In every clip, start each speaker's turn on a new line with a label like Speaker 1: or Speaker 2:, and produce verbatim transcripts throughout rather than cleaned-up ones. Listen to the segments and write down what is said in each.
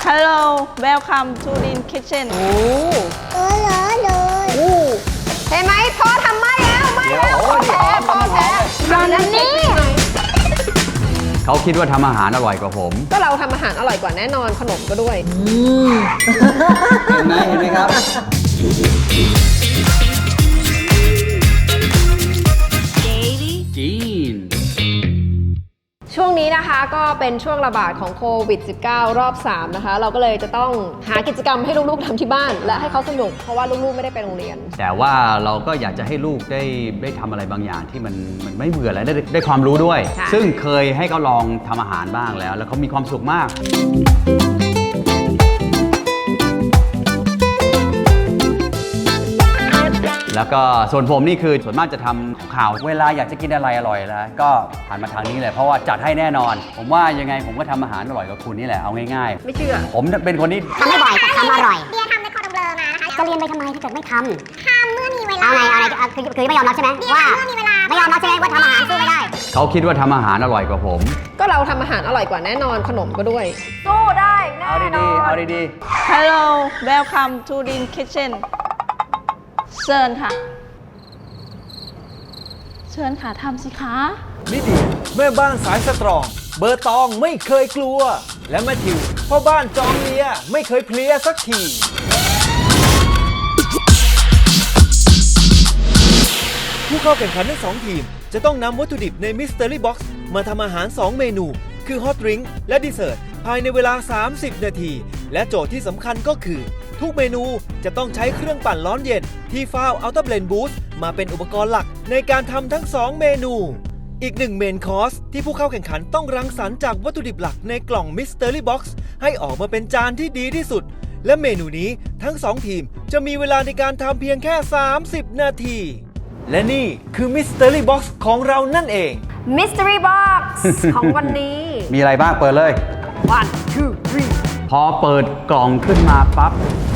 Speaker 1: Hello welcome to Din Kitchen
Speaker 2: โอ้เออเหรอเลยเห็นไหมพ่อทำไม่แล้วไม่แล้วพ่อแพ้พ่อแพ้ตอนนั้นนี่
Speaker 3: เขาคิดว่าทำอาหารอร่อยกว่าผม
Speaker 2: ก็เราทำอาหารอร่อยกว่าแน่นอนขนมก็ด้วย
Speaker 3: เห็นไหมเห็นไหมครับจีน
Speaker 2: ช่วงนี้นะคะก็เป็นช่วงระบาดของโควิด สิบเก้า รอบสามนะคะเราก็เลยจะต้องหากิจกรรมให้ลูกๆทำที่บ้านและให้เขาสนุกเพราะว่าลูกๆไม่ได้ไปโรงเรียน
Speaker 3: แต่ว่าเราก็อยากจะให้ลูกได้ได้ทำอะไรบางอย่างที่มันมันไม่เบื่อและได้ได้ความรู้ด้วยซึ่งเคยให้เขาลองทำอาหารบ้างแล้วแล้วเขามีความสุขมากแล้วก็ส่วนผมนี่คือส่วนมากจะทำของข่าวเวลาอยากจะกินอะไรอร่อยแล้วก็ผ่านมาทางนี้เลยเพราะว่าจัดให้แน่นอนผมว่ายังไงผมก็ทำอาหารอร่อยกับคุณนี่แหละเอาง่ายๆ
Speaker 2: ไม่เชื่อ
Speaker 3: ผมเป็นคนที่
Speaker 4: ทำไม่บ่อยแต่ทำอร่อยเบียร์ทำในคอร์ดเบลอมานะคะจะเรียนไปทำไมถ้าเกิดไม่ทำทำเมื่อมีเวลาเอาไงเอาไงคือคือไม่ยอมรับใช่ไหมว่าเมื่อมีเวลาไม่ยอมรับใช่ไหมว่าทำอาหารสู้ไม่ได้
Speaker 3: เขาคิดว่าทำอาหารอร่อยกว่าผม
Speaker 2: ก็เราทำอาหารอร่อยกว่าแน่นอนขนมก็ด้วยสู้ได้แน่นอน
Speaker 3: เอาดีๆ
Speaker 1: Hello welcome to Din Kitchen เชิญค่ะเชิญค่ะทำสิคะ
Speaker 5: ลิเดียแม่บ้านสายสตรองเบอร์ตองไม่เคยกลัวและแมทธิวพ่อบ้านจอมเลียไม่เคยเพลียสักทีผู้เข้าแข่งขันทั้งสองทีมจะต้องนำวัตถุดิบใน Mystery Box มาทำอาหารสองเมนูคือ Hot Drink และ Dessert ภายในเวลาสามสิบนาทีและโจทย์ที่สำคัญก็คือทุกเมนูจะต้องใช้เครื่องปั่นร้อนเย็นที่ฟ้าว Ultra Blend Boost มาเป็นอุปกรณ์หลักในการทำทั้งสองเมนูอีกหนึ่งเมนคอร์สที่ผู้เข้าแข่งขันต้องรังสรรค์จากวัตถุดิบหลักในกล่อง Mystery Box ให้ออกมาเป็นจานที่ดีที่สุดและเมนูนี้ทั้งสองทีมจะมีเวลาในการทำเพียงแค่สามสิบนาทีและนี่คือ Mystery Box ของเรานั่นเอง
Speaker 2: Mystery Box ของวันนี้
Speaker 3: มีอะไรบ้างเปิดเลย
Speaker 2: one two three
Speaker 3: พอเปิดกล่องขึ้นมาปั๊บ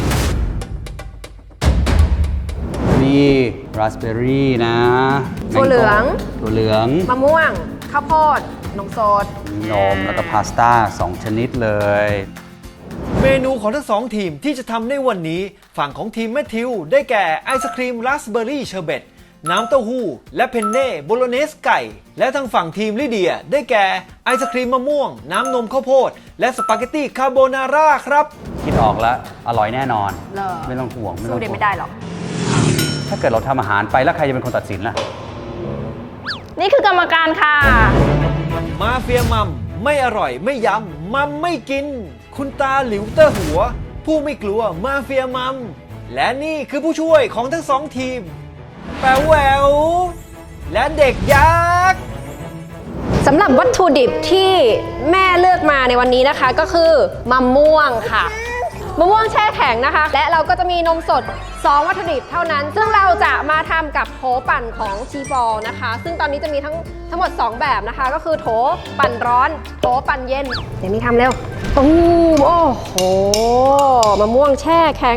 Speaker 3: มีราสเบอร์รี่นะ
Speaker 2: ถั่วเหลือง
Speaker 3: ถั่วเหลือง
Speaker 2: มะม่วงข้าวโพดนมสด
Speaker 3: นมแล้วก็พาสต้าสองชนิดเลย
Speaker 5: เมนูของทั้งสองทีมที่จะทำในวันนี้ฝั่งของทีมแมทธิวได้แก่ไอศครีมราสเบอร์รี่เชอร์เบตน้ำเต้าหู้และเพนเน่โบโลเนสไก่และทางฝั่งทีมลิเดียได้แก่ไอศครีมมะม่วงน้ำนมข้าวโพดและสปาเกตตี้คาโบนาร่าครับ
Speaker 3: คิดออกแล้วอร่อยแน่นอนไม่ต้องห่วง
Speaker 2: สู้เด็ดไม่ได้หรอก
Speaker 3: ถ้าเกิดเราทำอาหารไปแล้วใครจะเป็นคนตัดสินล่ะ
Speaker 1: นี่คือกรรมการค่ะ
Speaker 5: มาเฟียมัมไม่อร่อยไม่ยำมัมไม่กินคุณตาหลิวเตอร์หัวผู้ไม่กลัวมาเฟียมัมและนี่คือผู้ช่วยของทั้งสองทีมแป๋วแหววและเด็กยักษ์
Speaker 2: สำหรับวัตถุดิบที่แม่เลือกมาในวันนี้นะคะก็คือมะม่วงค่ะมะม่วงแช่แข็งนะคะและเราก็จะมีนมสดสองวัตถุดิบเท่านั้นซึ่งเราจะมาทำกับโถปั่นของชีฟอลนะคะซึ่งตอนนี้จะมีทั้งทั้งหมดสองแบบนะคะก็คือโถปั่นร้อนโถปั่นเย็นเดี๋ยวนี้ทำเร็วตูมโอ้โหมะม่วงแช่แข็ง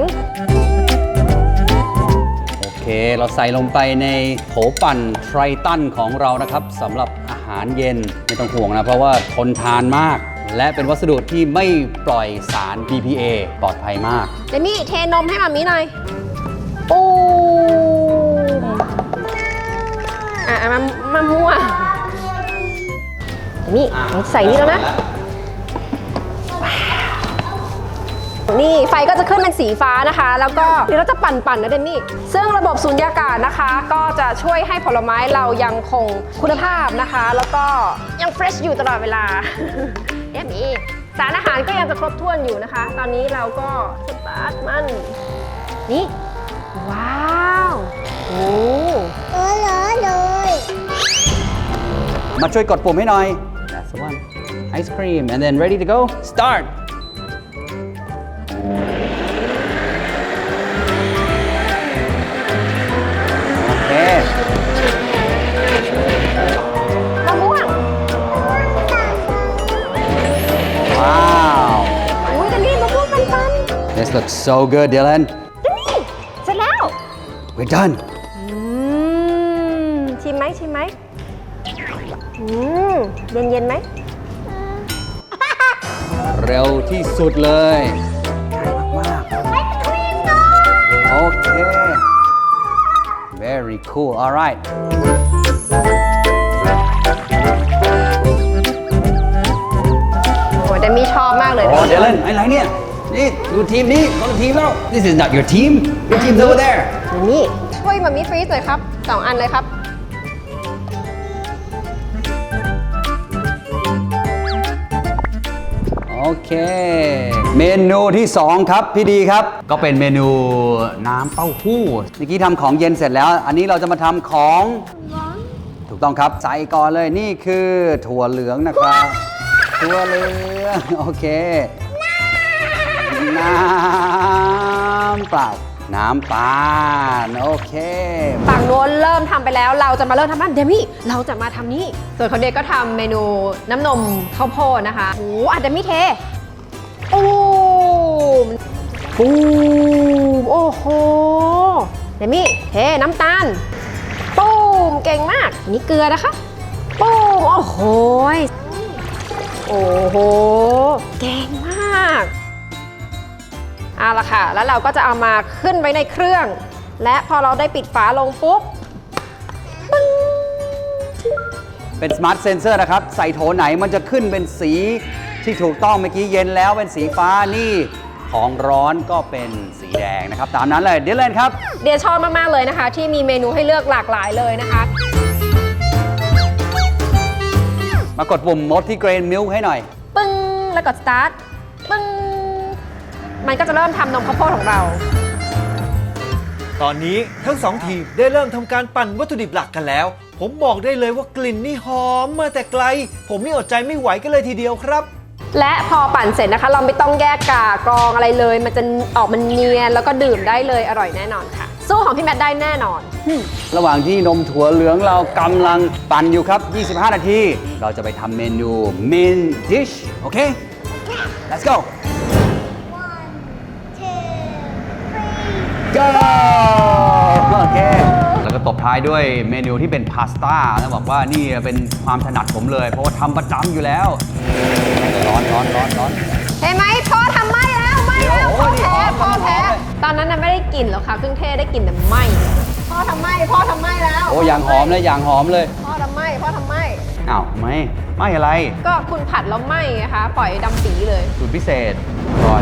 Speaker 3: โอเคเราใส่ลงไปในโถปั่นไทรตันของเรานะครับสำหรับอาหารเย็นไม่ต้องห่วงนะเพราะว่าทนทานมากและเป็นวัสดุที่ไม่ปล่อยสาร บี พี เอ ปลอดภัยมาก
Speaker 2: เดมี่เทนมให้มามีหน่อยปูอ่ะมามะม่วงเดมี่ใส่นี่แล้วนะนี่ไฟก็จะขึ้นเป็นสีฟ้านะคะแล้วก็เดี๋ยวเราจะปั่นๆนะเดมี่ซึ่งระบบสูญญากาศนะคะก็จะช่วยให้ผลไม้เรายังคงคุณภาพนะคะแล้วก็ยังเฟรชอยู่ตลอดเวลาเดมี่สารอาหารก็ยังจะครบถ้วนอยู่นะคะตอนนี้เราก็สตาร์ทมันนี่ว้าวโอ้
Speaker 4: เออเหรอเลย
Speaker 3: มาช่วยกดปุ่มให้หน่อย That's the one Ice cream and then ready to go start
Speaker 2: มะม่วง
Speaker 3: ว้าว
Speaker 2: อุ้ยเดมี่มะม่วงปันๆ
Speaker 3: This looks so good Dylan
Speaker 2: เดมี่เสร็จแล้ว
Speaker 3: We're done
Speaker 2: อืมชิมไหมชิมไหมอืมเย็นเย็นไหม
Speaker 3: เร็วที่สุดเลยง่ายมากๆโอเค very cool alright
Speaker 2: โอ้ยแต่มีชอบมากเลย
Speaker 3: โอ้เดี๋ยวเล่นอะไรเนี่ย นี่ดูทีมนี้คนละทีมแล้ว this is not your team your team's over there
Speaker 2: นี่ช่วยมามิฟรีซหน่อยครับสองอันเลยครับ
Speaker 3: โอเค เมนูที่สองครับพี่ดีครับ ก็เป็นเมนูน้ำเต้าหู้เมื่อกี้ทำของเย็นเสร็จแล้ว อันนี้เราจะมาทำของถูกต้องครับใส่ก่อนเลยนี่คือถั่วเหลืองนะครับ ถั่วเหลืองโอเค น้ำเปล่าน้ำตาลโอเค
Speaker 2: ฝั่งโน้นเริ่มทำไปแล้วเราจะมาเริ่มทำบ้านเดมี่เราจะมาทำนี่ส่วนของเด็กก็ทำเมนูน้ำนมข้าวโพดนะคะโอ้อาจจะไม่เทโอ้มปูมโอ้โหเดมี่เทน้ำตาลปูมเก่งมากนี่เกลือนะคะปูมโอ้โหโอ้โหเก่งมากเอาละค่ะแล้วเราก็จะเอามาขึ้นไว้ในเครื่องและพอเราได้ปิดฝาลงปุ๊บ
Speaker 3: เป็น Smart Sensor นะครับ ใส่โถไหนมันจะขึ้นเป็นสีที่ถูกต้องเมื่อกี้เย็นแล้วเป็นสีฟ้านี่ของร้อนก็เป็นสีแดงนะครับ ตามนั้นเลยเดี๋ยวเล่นครับ
Speaker 2: เดียชอบมาก ๆ เลยนะคะ ที่มีเมนูให้เลือกหลากหลายเลยนะคะ
Speaker 3: มากดปุ่ม Multigrain Milk ให้หน่อย
Speaker 2: ปึ้ง แล้วกด start ปึ้ง มันก็จะเริ่มทำนมข้าวโพดของเรา
Speaker 5: ตอนนี้ทั้งสองทีมได้เริ่มทำการปั่นวัตถุดิบหลักกันแล้ว ผมบอกได้เลยว่ากลิ่นนี่หอมมาแต่ไกล ผมนี่อดใจไม่ไหวกันเลยทีเดียวครับ
Speaker 2: และพอปั่นเสร็จนะคะ เราไม่ต้องแยกกากรองอะไรเลย มันจะออกมันเนียนแล้วก็ดื่มได้เลยอร่อยแน่นอนค่ะ สู้ของพี่แมทได้แน่นอน
Speaker 3: ระหว่างที่นมถั่วเหลืองเรากำลังปั่นอยู่ครับ ยี่สิบห้า นาที เราจะไปทำเมนู Main Dish โอเค let's go go โอเค แล้วก็ตบท้ายด้วยเมนูที่เป็นพาสต้าแล้วบอกว่านี่เป็นความถนัดผมเลย เพราะว่าทำประจำอยู่แล้ว ร้อนร้อนร้อนร้อน
Speaker 2: เห็นไหมพ่อทำไหม้แล้วไหม้แล้ว
Speaker 3: โอ้
Speaker 2: พ่อย แพ้
Speaker 3: นี่หอม
Speaker 2: พ่อแพ้
Speaker 3: หอมเลย
Speaker 2: ตอนนั้นน่ะไม่ได้กลิ่นหรอกค่ะเครื่องเทศได้กลิ่นแต่ไหม้พ่อทำไหม้พ่อทำไหม้แล้ว
Speaker 3: โอ้อย่างหอมเลยอย่างหอมเลย
Speaker 2: พ่อทำไหม้พ่อทำไหม้
Speaker 3: อ้าวไม่ไม่อะไร
Speaker 2: ก็คุณผัดแล้วไหม้นะคะปล่อยดำปีเลย
Speaker 3: สูตรพิเศษอร่อย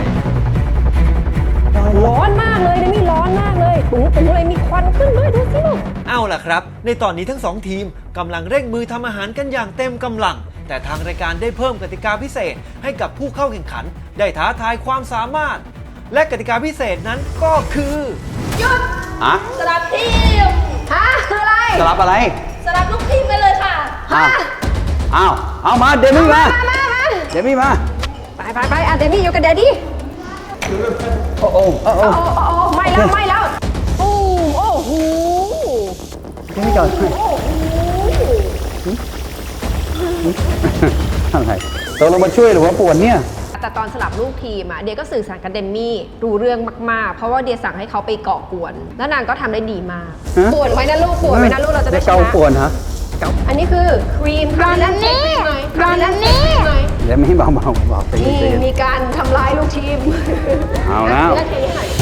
Speaker 2: ร้อนมากเลยนะมีร้อนมากเลยปุ๋งปุ๋งเลยมีควันขึ้นด้วยดูสิลูก
Speaker 5: เอาล่ะครับ ในตอนนี้ทั้งสองทีมกำลังเร่งมือทำอาหารกันอย่างเต็มกำลัง แต่ทางรายการได้เพิ่มกติกาพิเศษให้กับผู้เข้าแข่งขัน ได้ท้าทายความสามารถ และกติกาพิเศษนั้นก็คือ
Speaker 3: อะ
Speaker 1: สลับทีม
Speaker 2: ฮะคืออะไร
Speaker 3: สลับอะไร
Speaker 1: สลับลูกทีมไปเลยค่ะ
Speaker 3: อ้าวอ้าวเอามาเดมี่มา
Speaker 2: มามามา
Speaker 3: เดมี่มา
Speaker 2: ไปไปไปอ่ะเดมี่อยู่กับเดดดี้
Speaker 3: โอ้โอ้โอ้โอ้
Speaker 2: โอ้โอ้โอ้ไหม้แล้วไหม้แล้วโอ้โอ้โห
Speaker 3: เดมี่ก่อนอะไรตกลงมาช่วยหรือว่าปวดเนี่ย
Speaker 2: แต่ตอนสลับลูกทีมอ่ะเดียก็สื่อสารกับเดมมี่รู้เรื่องมากๆ เพราะว่าเดียสั่งให้เขาไปก่อกวน แล้วนางก็ทำได้ดีมาก
Speaker 3: ฮะ
Speaker 2: ปวดไว้นะลูกปวดไว้นะลูกเราจะได้ช
Speaker 3: เกา
Speaker 2: นะ
Speaker 3: ปวดฮะ
Speaker 2: อันนี้คือครีมร้อนแล้วนี่ร้อนแล้วนี่
Speaker 3: เดมี่เบาเบาเบาใจ
Speaker 2: นี่
Speaker 3: เย็น
Speaker 2: มีการทำร้ายลูกทีม
Speaker 3: เอาแล้ว
Speaker 2: นาทีให้หน่อย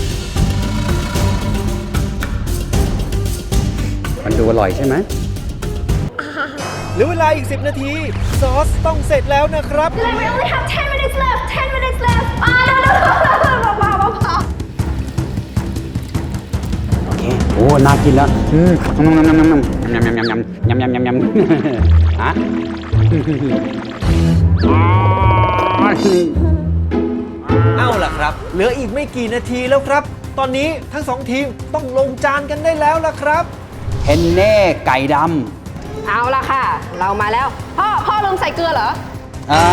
Speaker 3: มันดูอร่อยใช่ไหม
Speaker 5: เหลือเวลาอีก สิบ นาที ซอสต้องเสร็จแล้วนะครับ
Speaker 2: We only have ten minutes left ten minutes left อ่า no no no เบาๆเบา
Speaker 3: โอเค โอ้ น่ากินแล้ว อืมยำยำยำยำยำยำยำยำยำยำยำยำฮะ
Speaker 5: เอาล่ะครับ เหลืออีกไม่กี่นาทีแล้วครับ ตอนนี้ทั้งสองทีมต้องลงจานกันได้แล้วล่ะครับ
Speaker 3: เฮนเน่ไก่ด
Speaker 2: ๆเอาละค่ะ เรามาแล้ว พ่อ พ่อลืมใส่เกลือเหรอ
Speaker 3: ำอ่า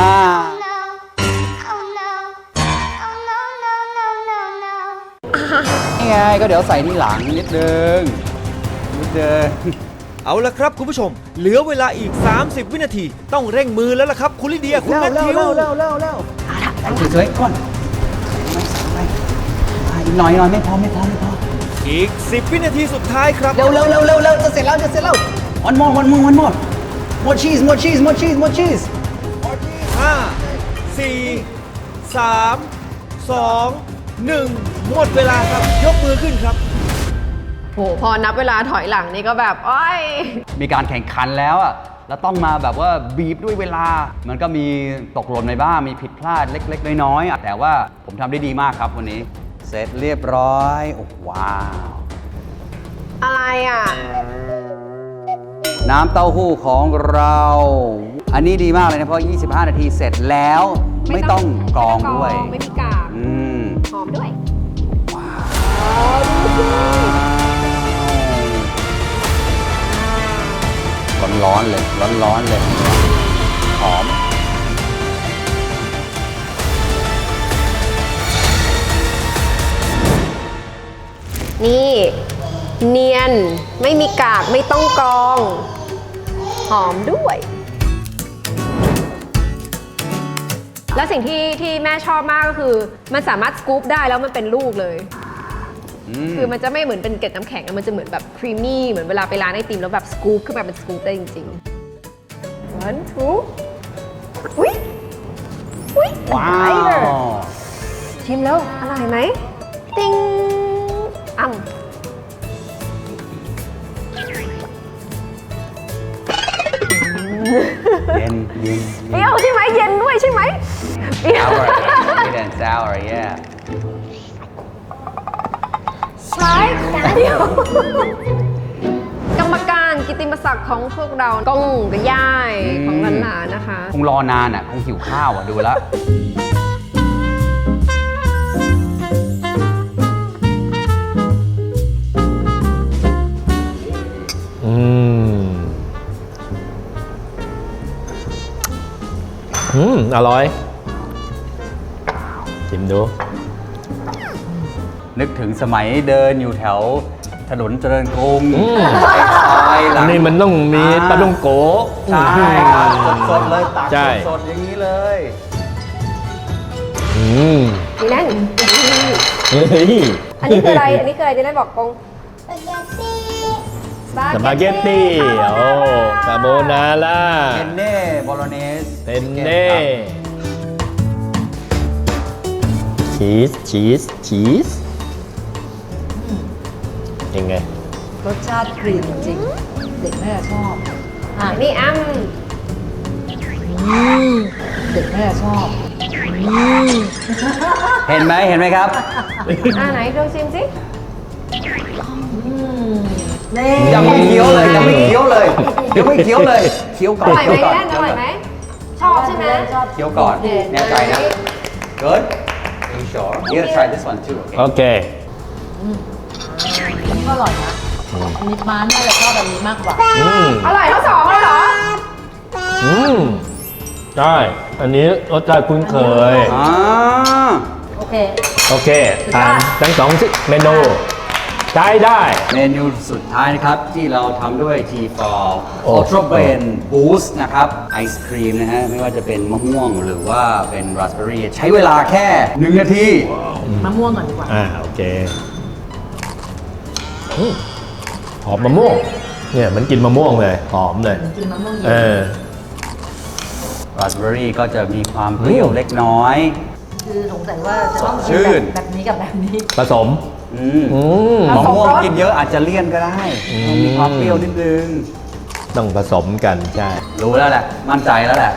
Speaker 3: นี่ไงก็เดี๋ยวใส่ที่หลังนิดนึง นิดนึง
Speaker 5: เอาละครับคุณผู้ชม เหลือเวลาอีก สามสิบ วินาที ต้องเร่งมือแล้วล่ะครับคุณลิเดียคุณแมทธิว
Speaker 3: ใส่สวยๆก่อนใส่ไปอีกหน่อยหน่อยไม่พอไม่พอไม่พอ
Speaker 5: อีก สิบ วินาทีสุดท้ายครับ
Speaker 3: เร็วเร็วเร็วเร็วเร็วจะเสร็จแล้วจะเสร็จแล้ว one more one more one more more cheese more cheese more cheese more cheese
Speaker 5: ห้า สี่สาม สอง หนึ่ง หมดเวลาครับ ยกมือขึ้นครับ
Speaker 2: โหพอนับเวลาถอยหลังนี่ก็แบบอ้อย
Speaker 3: มีการแข่งขันแล้วอ่ะแล้วต้องมาแบบว่าบีบด้วยเวลา มันก็มีตกหล่นในบ้างมีผิดพลาดเล็กๆน้อยๆอ่ะแต่ว่าผมทำได้ดีมากครับวันนี้ เสร็จเรียบร้อยโอ้ว้าว
Speaker 2: อะไรอ่ะ
Speaker 3: น้ำเต้าหู้ของเรา อันนี้ดีมากเลยนะเพราะยี่สิบห้านาทีเสร็จแล้วไม่ต้องกรองด้วย
Speaker 2: ไม่มีกาก
Speaker 3: อืม
Speaker 2: หอมด้วย
Speaker 3: ร้อนๆเลย ร้อนๆเลย หอม
Speaker 2: นี่ เนียนไม่มีกากไม่ต้องกรอง หอมด้วย แล้วสิ่งที่ที่แม่ชอบมากก็คือ มันสามารถสกู๊ปได้แล้วมันเป็นลูกเลย คือมันจะไม่เหมือนเป็นเกล็ดน้ำแข็งอะมันจะเหมือนแบบครีมมี่เหมือนเวลาไปร้านไอติมแล้วแบบสกู๊ปขึ้นมาเป็นสกู๊ปได้จริงๆ one two อุ้ยอุ้ย
Speaker 3: ว้าว
Speaker 2: ชิมแล้วอร่อยไหมติ้งอ่ำ
Speaker 3: เย็นเย็น
Speaker 2: เปรี้ยวใช่ไหมเย็นด้วยใช่ไหมเปรี้ยว
Speaker 3: sour sweet and sour yeah
Speaker 2: ใช่เดียวกรรมการกิตติมศักดิ์ของพวกเราก้องกับย่ายของหลานๆนะคะ
Speaker 3: คงรอนานอ่ะ คงหิวข้าวอ่ะ ดูแล้ว
Speaker 6: อืม อืม อร่อย ชิมดู
Speaker 3: นึกถึงสมัยเดินอยู่แถวถนนเจริญกรุง
Speaker 6: อืม
Speaker 3: ไปซอยหลั
Speaker 6: อัน
Speaker 3: ง
Speaker 6: นี้มันต้องมี
Speaker 3: อ่า
Speaker 6: ปลาต้องโกะ
Speaker 3: ใช่ครับสดๆเลยตัก
Speaker 6: ใช่
Speaker 3: สดๆอย่างนี้เลย
Speaker 6: อืม
Speaker 2: ดีแน่น
Speaker 6: เฮ้ย
Speaker 2: อันนี้คืออะไร อันนี้คืออะไรดีแน่นบอกกง
Speaker 6: สปาเกตตี้ โอ้คาโบนาร่า
Speaker 3: เทนเน่โบโลเนส
Speaker 6: เทนเน่ชีส ชีส ชีสยังไง
Speaker 7: รสชาติครีมจริงๆ เด็กน่าจะชอบอ่ะ
Speaker 2: อันนี้อ้ำ
Speaker 7: อืมเด็กน่าจะชอบอืม
Speaker 3: เห็นไหมเห็นไหมครับ
Speaker 2: อ่าไหนลองชิมสิ
Speaker 7: นี่
Speaker 3: ยังไม่เคี้ยวเลยยังไม่เคี้ยวเลยยังไม่เคี้ยวเลยเคี้ยวก่
Speaker 2: อ
Speaker 3: อน
Speaker 2: ร่อยไหม
Speaker 3: เคี้ยวก่อน
Speaker 2: แน่นอร่อยไหม ชอบใช่ไหม
Speaker 7: ชอบ
Speaker 3: เคี้ยวก่อนแน่ใจนะ good are you sure you gotta try this one too okay
Speaker 6: โอเค
Speaker 7: อันนี้ก็อร่อยนะอันนี้ม้าน่าจะชอบแบบนี้มากกว่า
Speaker 6: อืม
Speaker 2: อร่อยทั้งสองเลยเหรอ
Speaker 6: อืม ใช่ อันนี้รสชาติคุ้นเคย
Speaker 3: อ่า
Speaker 7: โอเค
Speaker 6: โอเคทานทั้งสองเมนู ใช้ได้
Speaker 3: เมนูสุดท้ายนะครับ ที่เราทำด้วย ที ฟอร์
Speaker 6: โอ้
Speaker 3: Ultra Blend Boost นะครับ ไอศครีมนะฮะ ไม่ว่าจะเป็นมะม่วงหรือว่าเป็นราสเบอร์รี่ใช้เวลาแค่หนึ่งนาที
Speaker 7: มะม่วงก่อนดีกว่า
Speaker 6: อ่า โอเคอืมหอมมะม่วง เนี่ยมันกินมะม่วงเลย หอมเลย
Speaker 7: กินมะม่วงเย็
Speaker 6: เอน อ
Speaker 3: ราสเบอร์รี่ก็จะมีความเปรี้ยว
Speaker 6: อืม
Speaker 3: เล็กน้อย
Speaker 7: คือสงสัยว่าจะต้อง
Speaker 3: สดชื่
Speaker 7: กิน
Speaker 3: น
Speaker 7: แบบนี้กับแบบนี้
Speaker 6: ผสม
Speaker 3: อืม
Speaker 6: อืม
Speaker 3: มะม่วงกินเยอะอาจจะเลี่ยนก็ได้
Speaker 6: อืม
Speaker 3: ต้องมีความเปรี้ยวนิดนึง
Speaker 6: ต้องผสมกันใช่
Speaker 3: รู้แล้วแหละ มั่นใจแล้วแหละ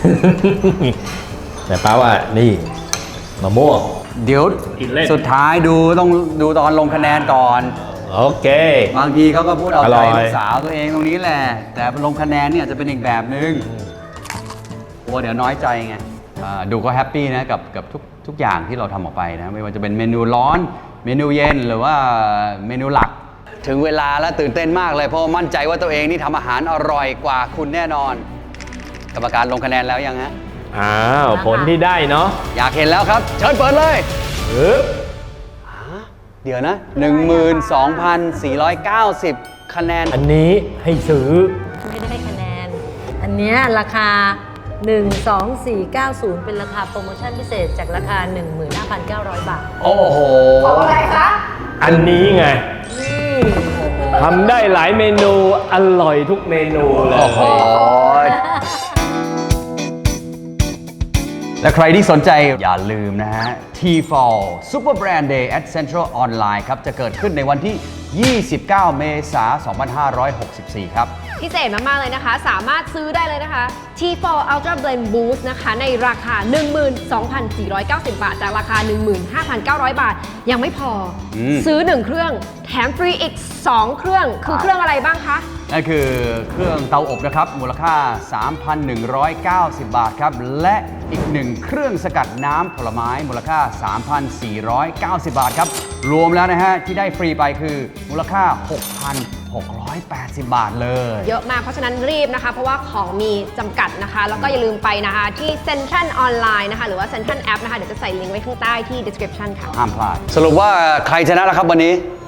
Speaker 6: แต่ป้าว่านี่มะม่วง
Speaker 3: เดี๋ยว
Speaker 6: กินเล่น
Speaker 3: สุดท้ายดูต้องดูตอนลงคะแนนก่อน
Speaker 6: โอเค
Speaker 3: บางทีเขาก็พูดเอา
Speaker 6: อ
Speaker 3: ใจ
Speaker 6: ร่อย
Speaker 3: ลูกสาวตัวเองตรงนี้แหละ แต่ลงคะแนนเนี่ยจะเป็นอีกแบบนึงกลัวเดี๋ยวน้อยใจไงอ่าดูก็แฮปปี้นะกับกับทุกทุกอย่างที่เราทำออกไปนะ ไม่ว่าจะเป็นเมนูร้อน เมนูเย็นหรือว่าเมนูหลัก ถึงเวลาแล้วตื่นเต้นมากเลยเพราะว่ามั่นใจว่าตัวเองนี่ทำอาหารอร่อยกว่าคุณแน่นอน กรรมการลงคะแนนแล้วยังฮะ
Speaker 6: อ้าว ผลที่ได้เนาะ
Speaker 3: อยากเห็นแล้วครับ เชิญเปิดเลย
Speaker 6: ปึ๊บ
Speaker 3: เดี๋ยวนะ หนึ่งหมื่นสองพันสี่ร้อยเก้าสิบ คะแนน
Speaker 6: อันนี้ให้ซื้อ
Speaker 7: ไม่ได้ให้คะแนน อันเนี้ยราคา หนึ่ง สอง สี่ เก้า ศูนย์ เป็นราคาโปรโมชั่นพิเศษจากราคา หนึ่งหมื่นห้าพันเก้าร้อย บาท
Speaker 3: โอ้โห
Speaker 2: ของอะไรคะ
Speaker 6: อันนี้ไง
Speaker 7: นี่
Speaker 6: ทำได้หลายเมนู อร่อยทุกเมนูเลย
Speaker 3: โอ้โหและใครที่สนใจอย่าลืมนะฮะ ที ฟอล Super Brand Day at Central Online ครับ จะเกิดขึ้นในวันที่ ยี่สิบเก้า เมษายน สองพันห้าร้อยหกสิบสี่ ครับ
Speaker 2: พิเศษมาก ๆ เลยนะคะ สามารถซื้อได้เลยนะคะ ที โฟร์ Ultra Blend Boost นะคะ ในราคา หนึ่งหมื่นสองพันสี่ร้อยเก้าสิบ บาท จากราคา หนึ่งหมื่นห้าพันเก้าร้อย บาท ยังไม่พออ
Speaker 3: ม
Speaker 2: ซื้อ หนึ่ง เครื่อง แถมฟรีอีก สอง เครื่อง คือเครื่องอะไรบ้างคะ
Speaker 3: นั่นคือเครื่องเตาอบนะครับ มูลค่า สามพันหนึ่งร้อยเก้าสิบ บาทครับ และอีกหนึ่งเครื่องสกัดน้ำผลไม้มูลค่า สามพันสี่ร้อยเก้าสิบ บาทครับ รวมแล้วนะฮะ ที่ได้ฟรีไปคือมูลค่า หกพันหกร้อยแปดสิบ บาทเลย
Speaker 2: เยอะมาก เพราะฉะนั้นรีบนะคะ เพราะว่าของมีจำกัดนะคะ แล้วก็อย่าลืมไปนะคะ ที่ Central Online นะคะ หรือว่า Central App นะคะ เดี๋ยวจะใส่ลิงก์ไว้ข้างใต้ที่ description ค่ะ
Speaker 3: ห้ามพลาด สรุปว่าใครชนะแล้วครับวันนี้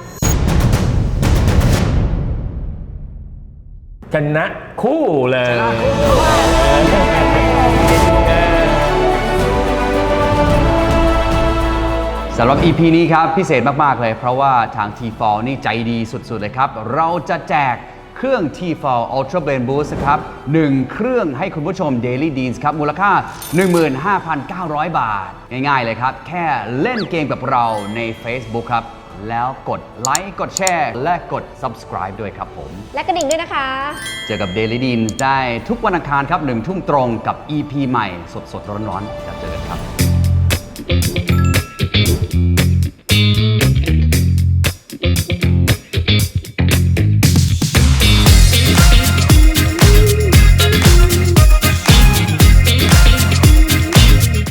Speaker 6: ชนะคู่เลย
Speaker 3: สำหรับ อี พี นี้ครับพิเศษมาก ๆ เลย เพราะว่าทาง ที ฟอล นี่ใจดีสุด ๆ เลยครับ เราจะแจกเครื่อง ที ฟอล Ultra Blend Boost ครับหนึ่งเครื่องให้คุณผู้ชม Daily Deans ครับ มูลค่า หนึ่งหมื่นห้าพันเก้าร้อย บาท ง่าย ๆ เลยครับ แค่เล่นเกมกับเราใน Facebook ครับ แล้วกดไลค์ กดแชร์ และกด Subscribe ด้วยครับผม
Speaker 2: และกระดิ่งด้วยนะคะ
Speaker 3: เจอกับ Daily Deans ได้ทุกวันอังคารครับหนึ่งทุ่มตรงกับ อี พี ใหม่สด ๆ ร้อน ๆ แล้วเจอกันครับ